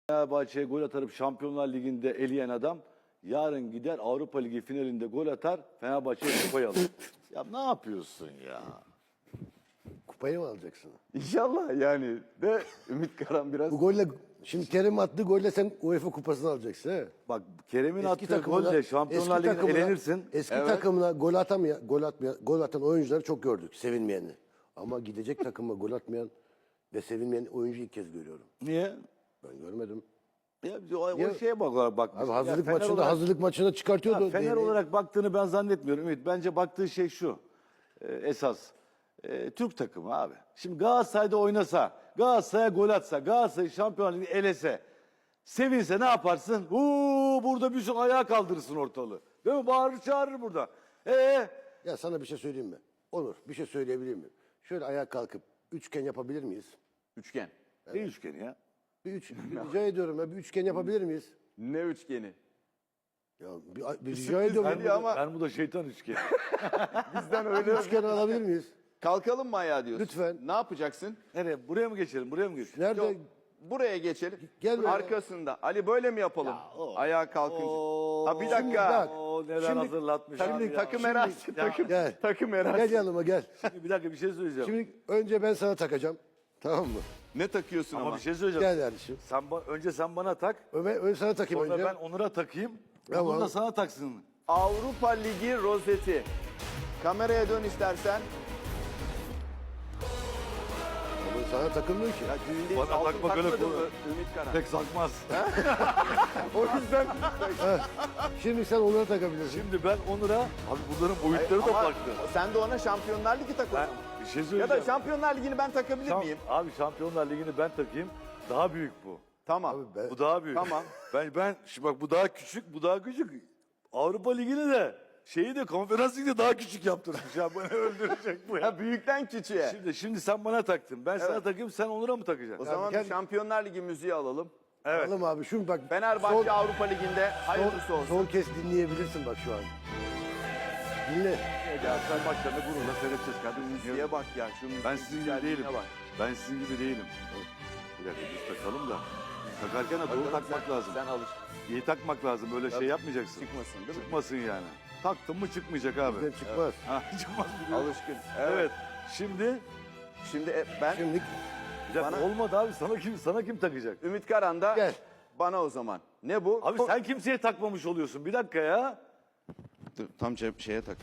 Fenerbahçe'ye gol atarıp Şampiyonlar Ligi'nde eleyen adam yarın gider Avrupa Ligi finalinde gol atar, Fenerbahçe'ye kupayı alır. Ya ne yapıyorsun ya? Kupayı mı alacaksın? İnşallah yani de Ümit Karan biraz Bu golle şimdi Kerem attığı golle sen UEFA kupasını alacaksın he? Bak Kerem'in attığı takımına- golle Şampiyonlar eski Ligi'nde takımına- elenirsin. Eski Evet. takımına gol atan oyuncuları çok gördük, sevinmeyeni. Ama gidecek takıma gol atmayan ve sevinmeyen oyuncu ilk kez görüyorum. Niye? Ben görmedim. Ya biz o Ya- şeye bak. Abi Ya hazırlık Fener maçında olarak- hazırlık maçında çıkartıyordu. Ya Fener değneği. olarak baktığını ben zannetmiyorum Ümit. Bence baktığı şey şu. Esas. Türk takımı abi. Şimdi Galatasaray'da oynasa, Galatasaray'a gol atsa, Galatasaray Şampiyonlar Ligi'ni elese, sevinse ne yaparsın? Burada bir sürü ayağa kaldırırsın ortalığı. Değil mi? Bağırır çağırır burada. Ya sana bir şey söyleyeyim mi? Onur, bir şey söyleyebilir miyim? Şöyle ayağa kalkıp üçgen yapabilir miyiz? üçgen. Ne üçgeni ya? Rica ediyorum ya, bir üçgen yapabilir miyiz? Ne üçgeni? Ya bir rica ediyorum. Ben bu da şeytan üçgeni. Bizden öyle. Üçgen alabilir miyiz? Kalkalım mı ayağa diyorsun? Lütfen. Ne yapacaksın? Nereye? Buraya mı geçelim? Buraya mı geçelim? Nerede? Yok, buraya geçelim. Gel böyle. Arkasında. Ali böyle mi yapalım? Ayağa kalkınca. Ha bir Şimdi dakika. bak. Oo, neler Şimdi- hazırlatmış Takım, abi ya. takım erası. Gel. Takım erası. Gel yanıma gel. Bir dakika bir şey söyleyeceğim. Şimdi önce ben sana takacağım. Tamam mı? Ne takıyorsun Ama ama? bir şey söyleyeceğim. Gel kardeşim. Önce sen bana tak. Önce sana takayım Sonra önce. ben Onur'a takayım. Tamam. Onur da sana taksın. Avrupa Ligi rozeti. Kameraya dön istersen. Ama sana takılmıyor ki. Ya düğünde Bana altın takma böyle takmadın konu. mı Ümit Karan? Pek sakmaz. O yüzden. Şimdi sen onlara takabilirsin. Şimdi ben Onur'a, abi bunların boyutları da Ama farklı. sen de ona Şampiyonlar Ligi tak o Ben zaman. bir şey Ya söyleyeceğim. da Şampiyonlar Ligi'ni ben takabilir miyim? Abi Şampiyonlar Ligi'ni ben takayım. Daha büyük bu. Tamam. Abi ben- Bu daha büyük. Tamam. Şimdi bak bu daha küçük, bu daha küçük. Avrupa Ligi'ni de şeyi de Konferans Ligi'ni de daha küçük yaptırmış ya. Beni öldürecek bu ya. Ya büyükten küçüğe. Şimdi sen bana taktın. Ben sana Evet. takayım, sen Onur'a mı takacaksın? O zaman gel- bir Şampiyonlar Ligi müziği alalım. Evet. Alalım abi şunu bak. Fenerbahçe Avrupa Ligi'nde hayırlısı olsun. Son kez dinleyebilirsin bak şu an. Dinle. Galatasaray maçlarını gururla seyredeceğiz kardeşim. Müziğe bak ya şu müziğin Ben sizin gibi güzelliğine değilim. bak. Ben sizin gibi değilim. Bir dakika biz takalım da. Takarken de doğru takmak lazım. Sen alış. İyi takmak lazım. Böyle şey yapmayacaksın. Çıkmasın değil mi? Çıkmasın yani. Taktın mı çıkmayacak abi. Bizden çıkmaz. Ha, çıkmaz biliyorum. Alışkın. Evet. Şimdi Şimdi ben Şimdi bir dakika, Bana- olmadı abi. Sana kim takacak? Ümit Karan da Gel. bana o zaman. Ne bu? Abi sen kimseye takmamış oluyorsun. Bir dakika ya. Dur, tam şeye tak.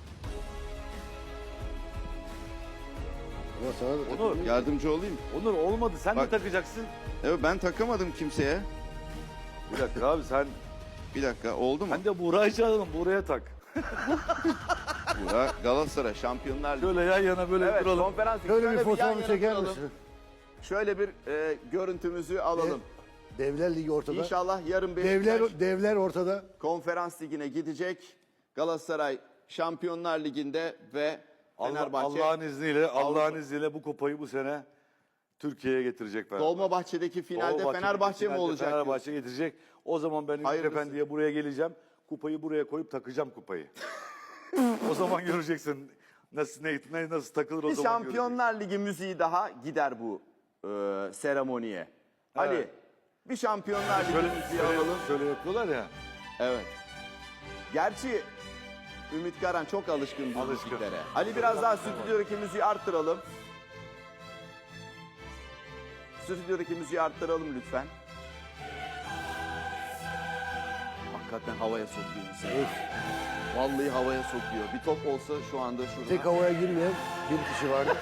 ama sana da tak. Onur, Yardımcı olayım. Onur olmadı. Sen de Bak. takacaksın. Evet ben takamadım kimseye. Bir dakika abi sen Bir dakika oldu mu? ben de Buğra'yı çağıralım. Buğra'ya tak. Burak Galatasaray Şampiyonlar Ligi. Şöyle yan yana böyle Evet duralım. konferans. Şöyle bir yan fotoğrafı yana çeker duralım. misin? Şöyle bir görüntümüzü alalım. Devler Ligi ortada. İnşallah yarın Beşiktaş Devler ortada. konferans ligine gidecek. Galatasaray Şampiyonlar Ligi'nde ve Fenerbahçe Allah'ın izniyle bu kupayı bu sene Türkiye'ye getirecek Fenerbahçe. Dolmabahçe'deki finalde Dolmabahçe'deki Fenerbahçe mi finalde olacak? Fenerbahçe getirecek. O zaman ben Ümit Hayırlısı. Efendi'ye buraya geleceğim. Kupayı buraya koyup takacağım kupayı. O zaman göreceksin nasıl takılır o Bir zaman göreceksin. Şampiyonlar Ligi müziği daha gider bu seremoniye. Ali bir Şampiyonlar Ligi müziği alalım. Şöyle yapıyorlar ya. Evet. Gerçi Ümit Karan çok alışkın bu Alışkın. müziklere. Ali biraz daha stüdyodaki müziği arttıralım. Stüdyodaki müziği arttıralım lütfen. Hakikaten havaya sokuyor insanı. Vallahi havaya sokuyor. Bir top olsa şu anda şurada. Tek havaya girmeyen bir kişi vardı.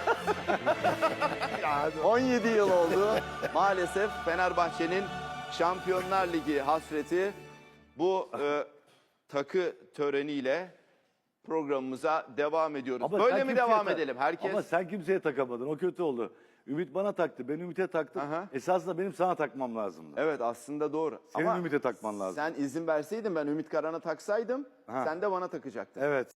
17 yıl oldu. Maalesef Fenerbahçe'nin Şampiyonlar Ligi hasreti bu takı töreniyle programımıza devam ediyoruz. Ama Böyle sen mi kimseye devam tak- edelim? Herkes Ama sen kimseye takamadın. O kötü oldu. Ümit bana taktı. Ben Ümit'e taktım. Aha. Esasında benim sana takmam lazımdı. Evet aslında doğru. Senin Ümit'e takman lazım. Sen izin verseydin ben Ümit Karan'a taksaydım Ha. sen de bana takacaktın. Evet.